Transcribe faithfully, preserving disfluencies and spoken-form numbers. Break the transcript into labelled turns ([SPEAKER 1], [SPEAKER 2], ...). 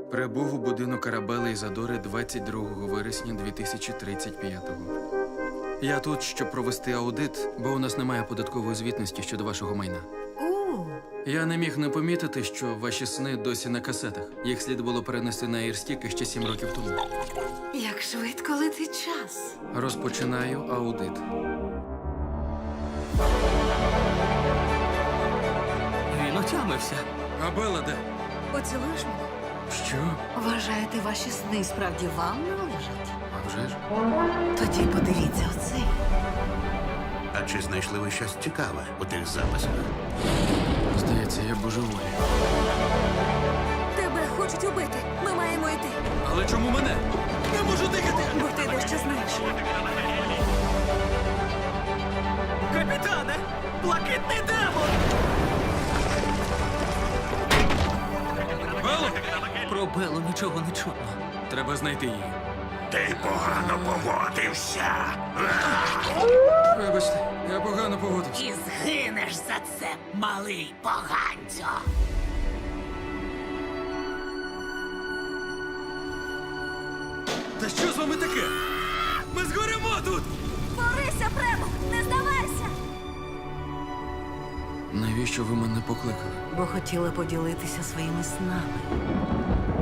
[SPEAKER 1] Прибув у будинок Арабели Ізадори двадцять другого вересня дві тисячі тридцять п'ятого. Я тут, щоб провести аудит, бо у нас немає податкової звітності щодо вашого майна.
[SPEAKER 2] О,
[SPEAKER 1] Я не міг не помітити, що ваші сни досі на касетах. Їх слід було перенести на Airstick ще сім років тому.
[SPEAKER 2] як швидко летить час.
[SPEAKER 1] Розпочинаю аудит.
[SPEAKER 3] Він отямився.
[SPEAKER 1] А Белла де?
[SPEAKER 2] Поцілуєш мене?
[SPEAKER 1] Що?
[SPEAKER 2] Вважаєте, ваші сни справді вам належать?
[SPEAKER 1] А вже ж?
[SPEAKER 2] Тоді подивіться оцей.
[SPEAKER 4] А чи знайшли ви щось цікаве у тих записах?
[SPEAKER 1] Здається, я божеволі.
[SPEAKER 2] Тебе хочуть убити. Ми маємо йти.
[SPEAKER 1] Але чому мене? Не можу дихати!
[SPEAKER 2] Бо ти дещо знаєш.
[SPEAKER 3] Капітане! Блакитний демон!
[SPEAKER 1] Белло!
[SPEAKER 3] Про Белу нічого не чутно.
[SPEAKER 1] Треба знайти її.
[SPEAKER 4] Ти погано поводився.
[SPEAKER 1] Вибачте, я погано поводився.
[SPEAKER 3] І згинеш за це, малий поганцю!
[SPEAKER 1] Та що з вами таке? Ми згоремо тут!
[SPEAKER 2] Борися, Премо! Не здавайся!
[SPEAKER 1] Навіщо ви мене покликали?
[SPEAKER 2] Бо хотіла поділитися своїми снами.